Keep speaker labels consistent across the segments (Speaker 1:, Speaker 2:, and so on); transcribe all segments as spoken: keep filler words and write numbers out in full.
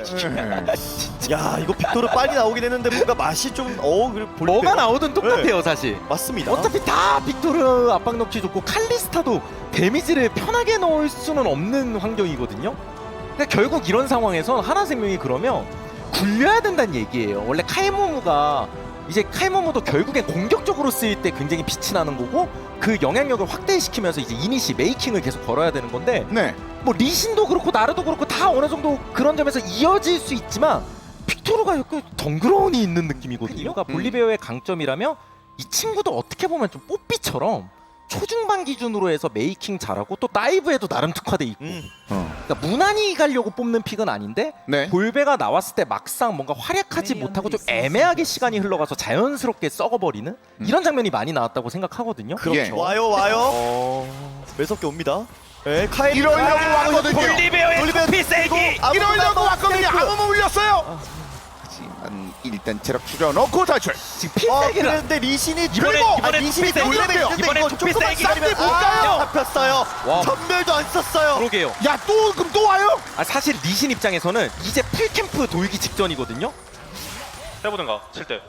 Speaker 1: 야 이거 빅토르 빨리 나오긴 했는데 뭔가 맛이 좀어 그래 볼
Speaker 2: 뭐가
Speaker 1: 때가-
Speaker 2: 나오든 똑같아요 사실.
Speaker 1: 맞습니다.
Speaker 2: 어차피 다 빅토르 압박 넣기 좋고 칼리스타도 데미지를 편하게 넣을 수는 없는 환경이거든요. 근데 결국 이런 상황에선 하나생명이 그러면 굴려야 된다는 얘기예요. 원래 칼모무가 이제 칼모무도 결국엔 공격적으로 쓰일 때 굉장히 빛이 나는 거고 그 영향력을 확대시키면서 이제 이니시 메이킹을 계속 걸어야 되는 건데
Speaker 3: 네.
Speaker 2: 뭐 리신도 그렇고 나르도 그렇고 다 어느 정도 그런 점에서 이어질 수 있지만 빅토르가 약간 덩그러니 있는 느낌이거든요. 이유가 볼리베어의 강점이라면 이 친구도 어떻게 보면 좀 뽀삐처럼 초중반 기준으로 해서 메이킹 잘하고 또 다이브에도 나름 특화돼 있고
Speaker 1: 음.
Speaker 3: 어.
Speaker 2: 그러니까 무난히 가려고 뽑는 픽은 아닌데
Speaker 3: 네.
Speaker 2: 볼베가 나왔을 때 막상 뭔가 활약하지 못하고 좀 애매하게 시간이 흘러가서 자연스럽게 썩어버리는 이런 장면이 많이 나왔다고 생각하거든요.
Speaker 1: 그렇죠.
Speaker 3: 예.
Speaker 1: 와요 와요.
Speaker 2: 어...
Speaker 1: 매섭게 옵니다. 네, 카이
Speaker 3: 이러려고 왔거든요.
Speaker 2: 볼리베어의
Speaker 1: 볼리베어
Speaker 2: 커피 세기!
Speaker 3: 이러려고 왔거든요.
Speaker 1: 탱크.
Speaker 3: 아무모 울렸어요. 하지만 일단 체력 줄여놓고 탈출.
Speaker 2: 지금
Speaker 1: 어
Speaker 2: 필살기를
Speaker 1: 그런데 리신이
Speaker 2: 이번에-
Speaker 1: 그리고
Speaker 2: 이번에
Speaker 1: 아, 리신이
Speaker 2: 투피 세기.
Speaker 1: 돌려면 있는데
Speaker 2: 이번에
Speaker 1: 이거
Speaker 2: 투피
Speaker 1: 조금만
Speaker 2: 세기.
Speaker 1: 기다리면
Speaker 3: 쌈들 볼까요?
Speaker 1: 아, 잡혔어요.
Speaker 2: 와.
Speaker 1: 전멸도 안 썼어요.
Speaker 2: 그러게요.
Speaker 3: 야, 또 그럼 또 와요?
Speaker 2: 아 사실 리신 입장에서는 이제 풀캠프 돌기 직전이거든요.
Speaker 4: 해보든가 칠 때.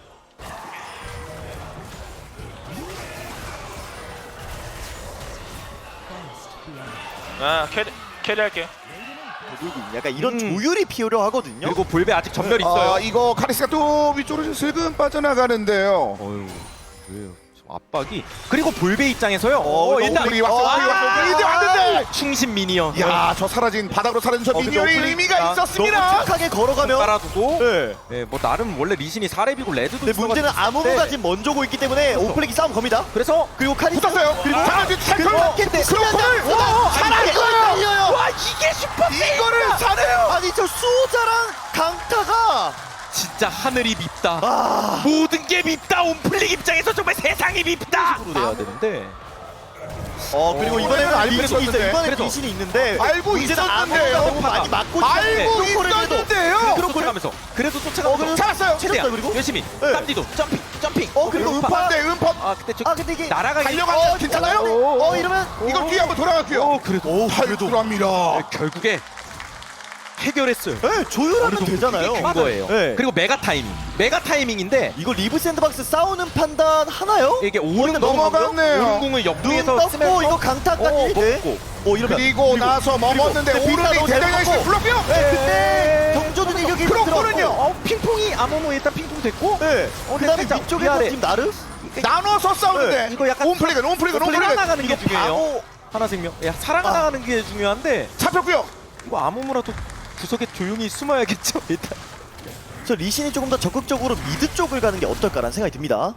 Speaker 4: 아 캐리 캐리 할게.
Speaker 1: 약간 이런
Speaker 2: 음.
Speaker 1: 조율이 필요 하거든요.
Speaker 2: 그리고 볼베 아직 전멸 있어요.
Speaker 3: 아, 이거 카리스가 또 위쪽으로 슬금 빠져나가는데요.
Speaker 2: 어휴 왜요? 저 압박이 그리고 볼베 입장에서요.
Speaker 1: 어,
Speaker 2: 어, 일단
Speaker 3: 오플릭이 왔어, 오플릭이 왔어,
Speaker 2: 아,
Speaker 3: 오플릭이 왔는데!
Speaker 2: 충신 미니언.
Speaker 3: 야, 저 사라진 바닥으로 사라진 저
Speaker 2: 어, 근데
Speaker 3: 미니언이
Speaker 2: 오플릭-
Speaker 3: 의미가
Speaker 2: 아,
Speaker 3: 있었습니다.
Speaker 1: 너무 착하게 걸어가면
Speaker 2: 깔아두고.
Speaker 1: 네.
Speaker 2: 네, 뭐 나름 원래 리신이 사 렙이고 레드도
Speaker 1: 근데 문제는
Speaker 2: 있어가지고
Speaker 1: 아무무가
Speaker 2: 네.
Speaker 1: 지금 먼저 고 있기 때문에 오플렉이 싸움 겁니다.
Speaker 2: 그래서
Speaker 1: 그리고 카리
Speaker 3: 붙었어요.
Speaker 1: 그리고
Speaker 3: 사라진 태클.
Speaker 1: 그리고 마켓
Speaker 3: 크로콜을 살았어요.
Speaker 2: 와 이게 슈퍼
Speaker 3: 이거를 사네요.
Speaker 1: 아니 저 수호자랑 강타가
Speaker 2: 진짜 하늘이 밉다.
Speaker 1: 아
Speaker 2: 모든 게 밉다. 온플릭 입장에서 정말 세상이 밉다. 으로 돼야 되는데.
Speaker 1: 어 그리고
Speaker 3: 어,
Speaker 1: 이번에는
Speaker 3: 알고
Speaker 1: 리신이 있어요.
Speaker 3: 있었는데.
Speaker 1: 이번에
Speaker 2: 그래서.
Speaker 1: 리신이 있는데
Speaker 3: 알고
Speaker 1: 문제는
Speaker 3: 있었는데요.
Speaker 1: 아무무가 너무 많이 맞고
Speaker 3: 알고
Speaker 1: 크로콜을 그래도
Speaker 3: 있었는데요.
Speaker 2: 그래도 쫓아가면서. 그래도
Speaker 1: 어,
Speaker 2: 쫓아가면서.
Speaker 1: 그래도
Speaker 3: 잡았어요.
Speaker 2: 최대한
Speaker 1: 쳤어요, 그리고?
Speaker 2: 열심히.
Speaker 1: 네.
Speaker 2: 땀디도 점핑 점핑.
Speaker 1: 어 그리고 음파
Speaker 3: 음파인데 음파.
Speaker 2: 아 근데 저
Speaker 1: 아 근데 이게
Speaker 2: 날아가기.
Speaker 3: 달려가면 괜찮아요?
Speaker 1: 어 이러면
Speaker 3: 이걸 뒤에 한번 돌아갈게요.
Speaker 2: 어 그래도
Speaker 1: 오
Speaker 3: 탈출합니다.
Speaker 2: 네, 결국에 해결했어요.
Speaker 1: 네, 조율하면 되잖아요.
Speaker 2: 된 거예요.
Speaker 1: 네.
Speaker 2: 그리고 메가 타이밍. 메가 타이밍인데
Speaker 1: 이거 리브 샌드박스 싸우는 판단 하나요?
Speaker 2: 이게 오른
Speaker 3: 넘어갔네요.
Speaker 2: 오른공을
Speaker 1: 눈
Speaker 2: 옆구리에서
Speaker 1: 떴고
Speaker 2: 쓰면서
Speaker 1: 이거 강타까지
Speaker 2: 어,
Speaker 1: 네.
Speaker 2: 먹고.
Speaker 1: 어 이러면
Speaker 3: 그리고 나서 머물렀는데
Speaker 1: 그리고
Speaker 3: 오른이
Speaker 1: 빈타
Speaker 3: 대장장씩
Speaker 1: 넣고.
Speaker 3: 불렀고요.
Speaker 1: 네, 그때 경조는 이격이
Speaker 3: 크로콜은요?
Speaker 2: 어 핑퐁이 아무모 일단 핑퐁 됐고.
Speaker 1: 네.
Speaker 2: 어,
Speaker 1: 그다음에
Speaker 2: 살짝
Speaker 1: 위쪽에서
Speaker 2: 위아래.
Speaker 1: 지금 나르
Speaker 3: 나눠서 싸우는데
Speaker 2: 네, 이거 약간
Speaker 3: 온플릭은 온플릭은 온플릭은
Speaker 2: 살아나가는 게
Speaker 1: 이거
Speaker 2: 중요해요.
Speaker 1: 바로
Speaker 2: 하나생명. 야 살아나가는 게 중요한데
Speaker 3: 잡혔고요.
Speaker 2: 이거 아무모라도 구석에 조용히 숨어야겠죠 일단.
Speaker 1: 저 리신이 조금 더 적극적으로 미드 쪽을 가는 게 어떨까라는 생각이 듭니다.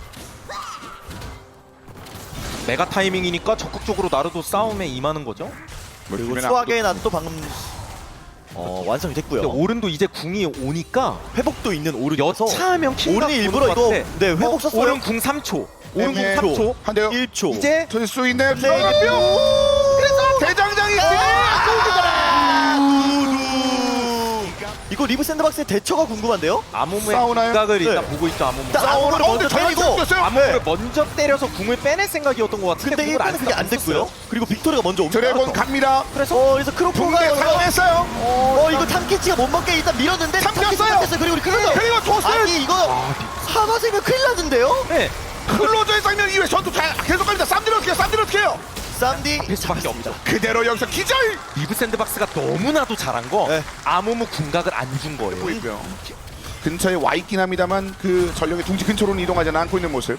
Speaker 2: 메가 타이밍이니까 적극적으로 나르도 싸움에 임하는 거죠.
Speaker 1: 그리고 수학의 난또 방금 어, 완성이 됐고요.
Speaker 2: 근데 오른도 이제 궁이 오니까
Speaker 1: 회복도 있는 오른이어서
Speaker 2: 여차하면 킹각
Speaker 1: 오른이 일부러
Speaker 2: 보는 것
Speaker 1: 이거
Speaker 2: 같은데.
Speaker 1: 네 회복
Speaker 2: 어,
Speaker 1: 썼어요.
Speaker 2: 오른 궁 삼 초. 오른 궁
Speaker 3: 네,
Speaker 2: 삼 초.
Speaker 3: 한대요.
Speaker 1: 일 초.
Speaker 2: 이제
Speaker 3: 될수 있네요.
Speaker 1: 네.
Speaker 3: 들어가고요. 그래서 대장장이
Speaker 1: 이거 리브 샌드박스의 대처가 궁금한데요?
Speaker 2: 아무모의
Speaker 3: 싸우나요?
Speaker 2: 각을 일단
Speaker 1: 네.
Speaker 2: 보고 있죠 아무모.
Speaker 1: 일단
Speaker 3: 어,
Speaker 1: 아무를
Speaker 3: 근데
Speaker 1: 먼저
Speaker 3: 전멸
Speaker 1: 때리고
Speaker 3: 쳤어요.
Speaker 2: 아무모를 먼저 때려서 궁을 빼낼 생각이었던 것 같은데
Speaker 1: 근데
Speaker 2: 궁을
Speaker 1: 일단은 그게 안 됐고요. 그리고 빅토르가 먼저 옵니다.
Speaker 3: 드래곤 갑니다.
Speaker 1: 그래서 어 그래서
Speaker 3: 붕대
Speaker 1: 크로코가
Speaker 3: 사용했어요.
Speaker 1: 어 이거 탐키치가 못 먹게 일단 밀었는데
Speaker 3: 삼켰어요.
Speaker 1: 삼켰어요. 그리고 우리 클로저
Speaker 3: 그리고 줬어요.
Speaker 1: 아니 이거 하나생명 큰일 났는데요?
Speaker 2: 네.
Speaker 3: 클로저의 장면 이후에 전투 잘 계속 갑니다. 쌈들 어떻게 해요? 쌈들 어떻게 해요?
Speaker 1: 쌈디
Speaker 2: 될 수밖에 없죠.
Speaker 3: 그대로 여기서 기절.
Speaker 2: 리브 샌드박스가 너무나도 잘한 거
Speaker 1: 네.
Speaker 2: 아무모 궁각을 안 준 거예요.
Speaker 3: 보이고요. 근처에 와 있긴 합니다만 그 전력의 둥지 근처로는 이동하지 않고 있는 모습.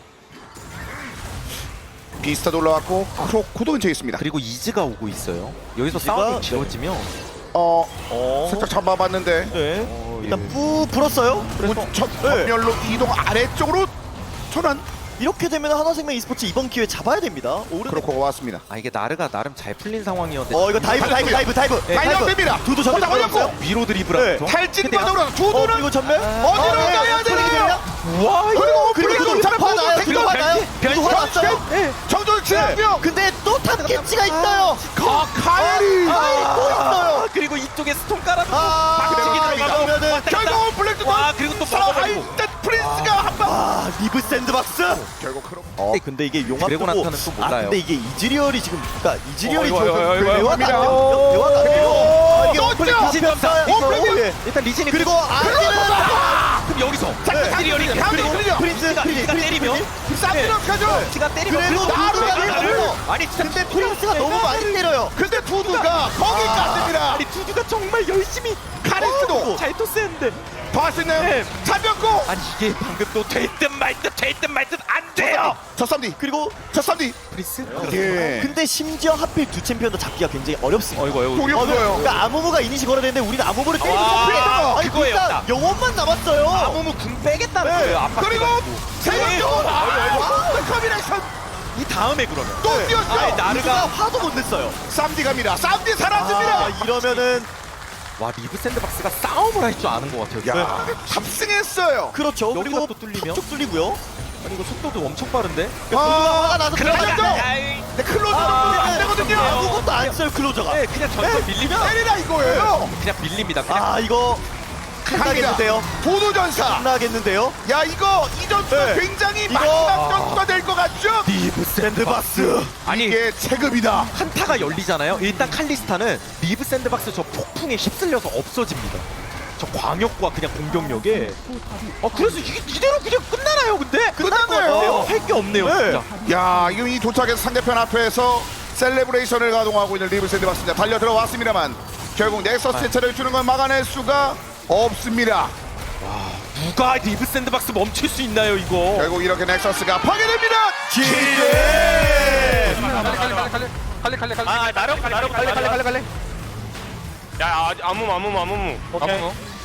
Speaker 3: 비스타도 올라왔고 크로코도 근처에 있습니다.
Speaker 2: 그리고 이즈가 오고 있어요. 여기서
Speaker 1: 이즈가-
Speaker 2: 싸움이
Speaker 1: 네.
Speaker 2: 지워지면
Speaker 3: 어
Speaker 1: 어
Speaker 3: 살짝 잡아봤는데
Speaker 1: 네
Speaker 2: 어,
Speaker 1: 일단
Speaker 2: 예.
Speaker 1: 뿌 불었어요.
Speaker 3: 문- 첫 전멸로 이동 아래쪽으로 전환.
Speaker 1: 이렇게 되면 하나생명 e스포츠 이번 기회 잡아야 됩니다. 오른
Speaker 3: 크로코가 왔습니다.
Speaker 2: 아 이게 나르가 나름 잘 풀린 상황이었는데
Speaker 1: 어 이거 다이브 다이브 다이브 다이브
Speaker 2: 네,
Speaker 3: 발령됩니다.
Speaker 1: 두두 전멸
Speaker 3: 포탑 올렸고
Speaker 1: 들어갔어요.
Speaker 2: 위로
Speaker 1: 네.
Speaker 2: 드리블하면서
Speaker 3: 탈진바닥으로
Speaker 1: 어
Speaker 3: 두두는
Speaker 1: 그리고 전멸
Speaker 3: 어디로 가야 되나요?
Speaker 2: 와
Speaker 3: 그리고
Speaker 1: 그리고
Speaker 3: 오플릭도
Speaker 1: 그리고
Speaker 3: 잡고
Speaker 1: 화나요. 그리고
Speaker 3: 택도
Speaker 1: 화나요. 그리고 화났어요.
Speaker 2: 네.
Speaker 3: 정조를 치고요.
Speaker 1: 근데 또 탑캐치가 있어요.
Speaker 3: 카이리
Speaker 1: 아, 또 있어요.
Speaker 2: 아, 그리고 이쪽에 스톤 깔아두고
Speaker 1: 아,
Speaker 2: 박치기
Speaker 1: 아,
Speaker 2: 들어가고
Speaker 1: 이러면은
Speaker 2: 왔다 갔다.
Speaker 3: 결국 블랙도
Speaker 2: 와 그리고 또 먹어버리고
Speaker 3: 하이တက်프린스가 한방
Speaker 1: 아 리브 샌드박스.
Speaker 3: 결국 크로
Speaker 1: 어 근데 이게 용암
Speaker 2: 드래곤한테는 또
Speaker 1: 아
Speaker 2: 몰라요.
Speaker 1: 근데 이게 이즈리얼이 지금 그러니까 이즈리얼이
Speaker 2: 어, 이거, 이거, 이거, 이거
Speaker 1: 대화가 안
Speaker 3: 갑니다.
Speaker 1: 돼요. 대화가 안 돼요. 아, 이게
Speaker 3: 또
Speaker 1: 오플릭
Speaker 3: 있죠?
Speaker 2: 리신 점사.
Speaker 1: 아, 이거,
Speaker 3: 프리미엄!
Speaker 1: 예.
Speaker 2: 일단 리신이
Speaker 1: 그리고 아기는
Speaker 2: 그럼 여기서
Speaker 3: 네.
Speaker 2: 트리얼이
Speaker 3: 다음
Speaker 2: 그리고
Speaker 3: 트리얼.
Speaker 1: 프린스
Speaker 2: 프린스가
Speaker 1: 프린스
Speaker 2: 때리면
Speaker 3: 쌈이랑 가죠.
Speaker 2: 프린스가 때리면
Speaker 1: 그래도
Speaker 2: 그래도
Speaker 1: 나루가
Speaker 2: 나루가
Speaker 1: 나루가
Speaker 2: 아니 진짜
Speaker 1: 근데 프린스가 너무 많이 때려요.
Speaker 3: 근데 두두가 거기 갔습니다.
Speaker 2: 아니 두두가 정말 열심히
Speaker 3: 카레스도
Speaker 2: 잘 토스했는데
Speaker 3: 봤었나요?
Speaker 2: 네.
Speaker 3: 잡혔고
Speaker 2: 아니 이게 방금 또될듯말듯될듯말듯안 돼요.
Speaker 3: 저 쌈디
Speaker 1: 그리고
Speaker 3: 저 쌈디
Speaker 2: 프린스?
Speaker 3: 예
Speaker 1: 근데 심지어 하필 두 챔피언도 잡기가 굉장히 어렵습니다.
Speaker 2: 어이구 어이구
Speaker 3: 돌이
Speaker 1: 어,
Speaker 3: 없어요.
Speaker 1: 그러니까 아무무가 이니시 걸어야 되는데 우리는 아무무를 때리고
Speaker 2: 아,
Speaker 1: 잡히겠다. 아니
Speaker 2: 그거예요,
Speaker 1: 일단
Speaker 2: 딱.
Speaker 1: 영혼만 남았어요.
Speaker 2: 아무무 궁 빼겠다는
Speaker 1: 네.
Speaker 2: 거예요. 압박
Speaker 3: 그리고 세명도 커비네이션
Speaker 2: 이 다음에 그러면
Speaker 3: 또
Speaker 1: 네.
Speaker 3: 뛰었죠.
Speaker 2: 아니, 나-
Speaker 1: 나르가 화도 못 냈어요.
Speaker 3: 쌈디 갑니다. 쌈디 사라집니다.
Speaker 1: 아, 이러면은
Speaker 2: 와 리브 샌드박스가 싸움을 할 줄 아는 것 같아요.
Speaker 3: 야 탑승했어요.
Speaker 1: 그렇죠.
Speaker 2: 여기가
Speaker 1: 그리고
Speaker 2: 또 뚫리면?
Speaker 1: 쭉 뚫리고요.
Speaker 2: 아니 이거 속도도 엄청 빠른데?
Speaker 3: 아,
Speaker 1: 화가 나서
Speaker 3: 그러죠.
Speaker 1: 들어가죠.
Speaker 3: 네, 클로저는 안 되거든요.
Speaker 1: 아무것도 안 써요 클로저가.
Speaker 2: 네 그냥 전선 밀리면
Speaker 3: 때리라 이거예요.
Speaker 2: 그냥 밀립니다. 그냥
Speaker 1: 아 이거 끝나겠는데요.
Speaker 3: 도도전사.
Speaker 1: 끝나겠는데요.
Speaker 3: 야 이거 이 전투가
Speaker 1: 네.
Speaker 3: 굉장히
Speaker 1: 이거-
Speaker 3: 마지막 전투가 될 것 같죠?
Speaker 2: 리브
Speaker 1: 샌드박스.
Speaker 2: 아니
Speaker 3: 이게 체급이다.
Speaker 2: 한타가 열리잖아요. 일단 칼리스타는 리브 샌드박스 저 폭풍에 휩쓸려서 없어집니다. 저 광역과 그냥 공격력에. 어 그래서 이게 이대로 그냥 끝나나요? 근데
Speaker 3: 끝났네요.
Speaker 2: 할 게 없네요.
Speaker 1: 네.
Speaker 2: 진짜.
Speaker 3: 야 이거 이 도착해서 상대편 앞에서 셀레브레이션을 가동하고 있는 리브 샌드박스입니다. 달려 들어왔습니다만 결국 넥서스 대체를 주는 건 막아낼 수가 없습니다.
Speaker 2: 누가 리브 샌드박스 멈출 수 있나요 이거?
Speaker 3: 결국 이렇게 넥서스가 파괴됩니다.
Speaker 4: 칼리 칼리 칼리 아 나름 나름 칼리 칼리 칼리 칼리 야 아, 아무무 아무무 아무무 오케이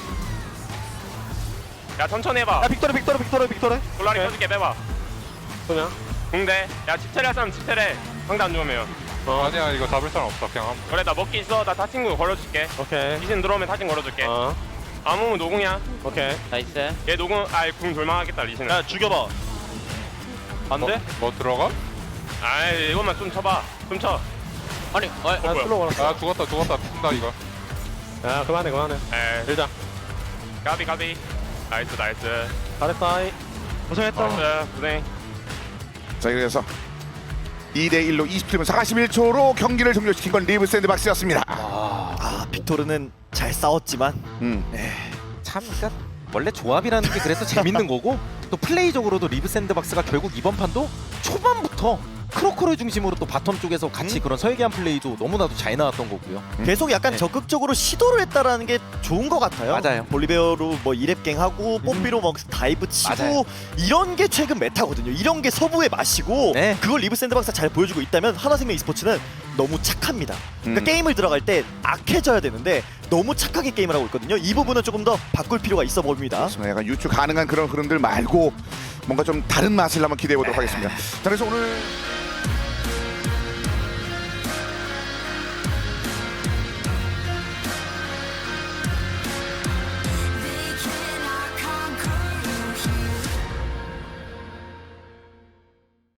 Speaker 4: 야 천천히 해봐
Speaker 2: 야 빅토르 빅토르 빅토르 빅토르.
Speaker 4: 돌라리 펴줄게 빼봐 그냥 궁대 야 집테레 할 사람 집테레 상대 안 죽으면
Speaker 5: 어, 아니야 이거 잡을 사람 없어 그냥 함.
Speaker 4: 그래 나 먹기 있어 나 타친구 걸어줄게
Speaker 5: 오케이.
Speaker 4: 이신 들어오면 타친 걸어줄게
Speaker 5: 어.
Speaker 4: 아무무 노궁이야
Speaker 5: 오케이.
Speaker 4: 나이스 얘 노궁 아이 궁 돌망하겠다 리신은 야 죽여봐 안
Speaker 5: 뭐, 뭐 들어가?
Speaker 4: 아이 이것만 좀 쳐봐 좀쳐 아니 어, 어 뭐야
Speaker 5: 슬로우 아 죽었다 죽었다 죽는다 이거.
Speaker 4: 야 그만해 그만해 에 일자 가비 가비 나이스 나이스 잘했다 고생했다 어. 고생
Speaker 3: 자 그래서 이 대 일로 이십칠 분 사십일 초로 경기를 종료시킨 건 리브 샌드박스였습니다.
Speaker 1: 아 빅토르는 잘 싸웠지만
Speaker 3: 음.
Speaker 2: 참 그러니까 원래 조합이라는 게 그래서 재밌는 거고 또 플레이적으로도 리브 샌드박스가 결국 이번 판도 초반부터 크로커를 중심으로 또 바텀 쪽에서 같이 그런 설계한 플레이도 너무나도 잘 나왔던 거고요.
Speaker 1: 계속 약간
Speaker 2: 네.
Speaker 1: 적극적으로 시도를 했다라는 게 좋은 것 같아요.
Speaker 2: 맞아요.
Speaker 1: 볼리베어로 뭐 이랩갱 하고 뽀삐로 뭐 다이브 치고
Speaker 2: 맞아요.
Speaker 1: 이런 게 최근 메타거든요. 이런 게 서부의 맛이고
Speaker 2: 네.
Speaker 1: 그걸 리브 샌드박스가 잘 보여주고 있다면 하나생명 e스포츠는 너무 착합니다. 그러니까
Speaker 3: 음.
Speaker 1: 게임을 들어갈 때 악해져야 되는데 너무 착하게 게임을 하고 있거든요. 이 부분은 조금 더 바꿀 필요가 있어 보입니다.
Speaker 3: 그렇습니다. 약간 유추 가능한 그런 흐름들 말고 뭔가 좀 다른 맛을 한번 기대해 보도록 하겠습니다. 자 그래서 오늘